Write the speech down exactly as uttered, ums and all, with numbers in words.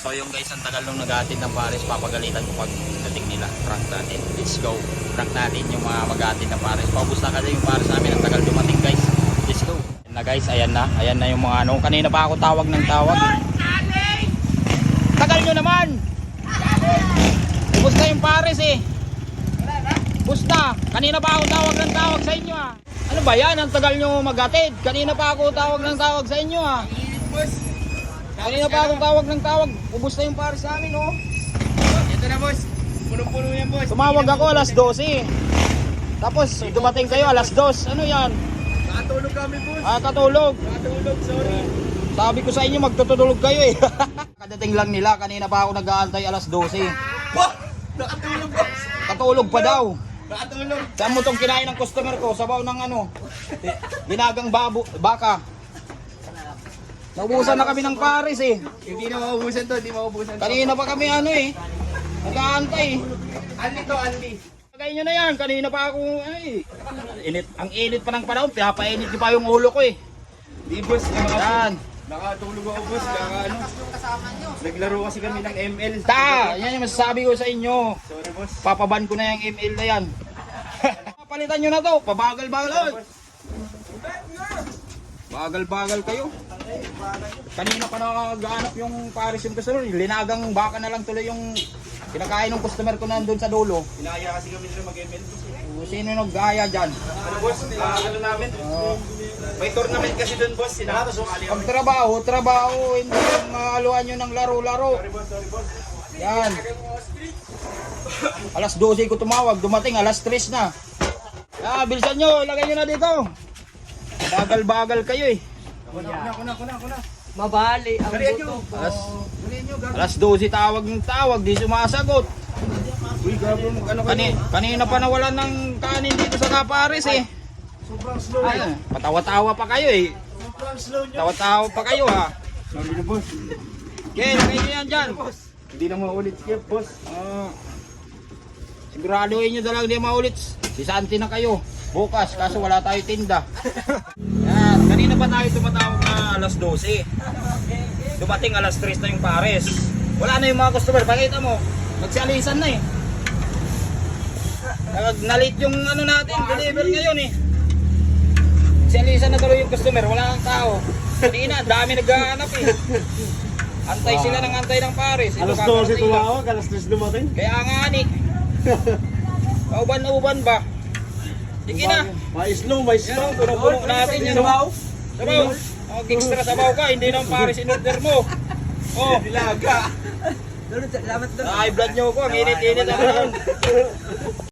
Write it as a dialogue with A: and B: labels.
A: So yung guys, ang tagal nung nag-aatid ng pares, papagalitan ko pag dating nila. Prank natin. Let's go. Prank natin yung mga mag-aatid ng pares. Paubos na kasi yung pares namin. Ang tagal dumating guys. Let's go. Ayan na guys, ayan na. Ayan na yung mga ano. Kanina pa ako tawag ng tawag. Tagal nyo naman! Ubus na yung pares eh. Ubus na. Kanina pa ako tawag ng tawag sa inyo ah. Ano ba yan? Ang tagal nyo mag-atid. Kanina pa ako tawag ng tawag sa inyo ah. Kanina pa akong tawag ng tawag. Ubus na yung pares namin, oh.
B: Ito na, boss. Punong-puno yan, boss.
A: Tumawag ako alas dose. Tapos dumating kayo alas dos. Ano yan?
B: Nakatulog kami, boss.
A: Ah, katulog.
B: Nakatulog, sorry.
A: Sabi ko sa inyo magtutulog kayo eh. Kadating lang nila. Kanina pa ako nag-aantay alas dose.
B: Wah! Nakatulog, boss.
A: Katulog pa daw.
B: Nakatulog.
A: Saan mo itong kinain ng customer ko? Sabaw ng ano? Ginagang babo, baka. Naubusan na kami ng pares eh.
B: Hindi na maubusan to, hindi maubusan to.
A: Kanina pa kami ano eh. Nag-aantay.
B: Anli to, Anli.
A: Lagay nyo na yan, kanina pa ako, ay, init, ang init pa ng panahon, pinapainit ko pa yung ulo ko eh.
B: Di, boss. Nakatulog.
A: Yan.
B: Nakatulog ako, boss. Kaka, ano. Naglaro kasi kami ng M L.
A: Ta, yan yung masasabi ko sa inyo.
B: Sorry, boss.
A: Papaban ko na yung M L na yan. Palitan nyo na to, pabagal-bagal. Bagal-bagal kayo. Kanina pa nag-aanap yung pares yung customer, linagang baka na lang tuloy yung kinakain ng customer ko nandun sa dulo.
B: Inaya kasi kami nila mag-M L, boss.
A: Sino nag-gaya dyan?
B: Ano, boss? Ah, ano namin? May tournament kasi dun, boss. Sinabi sumali
A: Pag
B: kami.
A: trabaho, trabaho, hindi yung maaluan nyo ng laro-laro.
B: Sorry, boss. Sorry, boss.
A: Yan. Alas dose ko tumawag, dumating alas tres na. Ah, bilisan nyo, ilagay nyo na dito. Bagal-bagal kayo eh.
B: Kuna, kuna, kuna, kuna.
C: Mabali ang
B: Dalihan nyo.
C: buto ko.
A: Alas,
B: Dalihan nyo, gabi.
A: alas dose tawag ng tawag, di sumasagot.
B: Uy, gabi mo. Ano
A: Kani, kanina pa nawalan ng kanin dito sa Kapares eh.
B: Sobrang slow.
A: Ay, patawa-tawa pa kayo eh.
B: Sobrang slow nyo.
A: Tawa-tawa pa kayo ha.
B: Sorry na, boss.
A: Okay, lagay nyo yan dyan.
B: Hindi na maulit skip, boss.
A: Ah, siguraduhin nyo na lang di maulit. Sisanti na kayo. Bukas, kaso wala tayo tinda. Yan, kanina pa tayo tumatawag na alas dose. Dumating alas tres na yung pares. Wala na yung mga customer. Pakita mo, magsialisan na eh. Nag- Nalit yung ano natin, deliver ngayon eh. Magsialisan na tuloy yung customer, wala kang tao. Kanina, dami naghahanap eh. Antay sila ng antay ng pares. Ito,
B: Alas
A: kakarating
B: dose
A: lang.
B: tumawag, alas tres dumating.
A: Kaya nga ni. Kauban-uban ba? Sige na.
B: May slow, may
A: Yan
B: slow.
A: o, puno-puno natin yan.
B: Sabaw?
A: Sabaw. Oh, extra sabaw ka, hindi nang pares in order mo. Oh,
B: Dilaga.
C: Salamat doon.
A: na-high blood nyo ko, ang init-init ang panahon.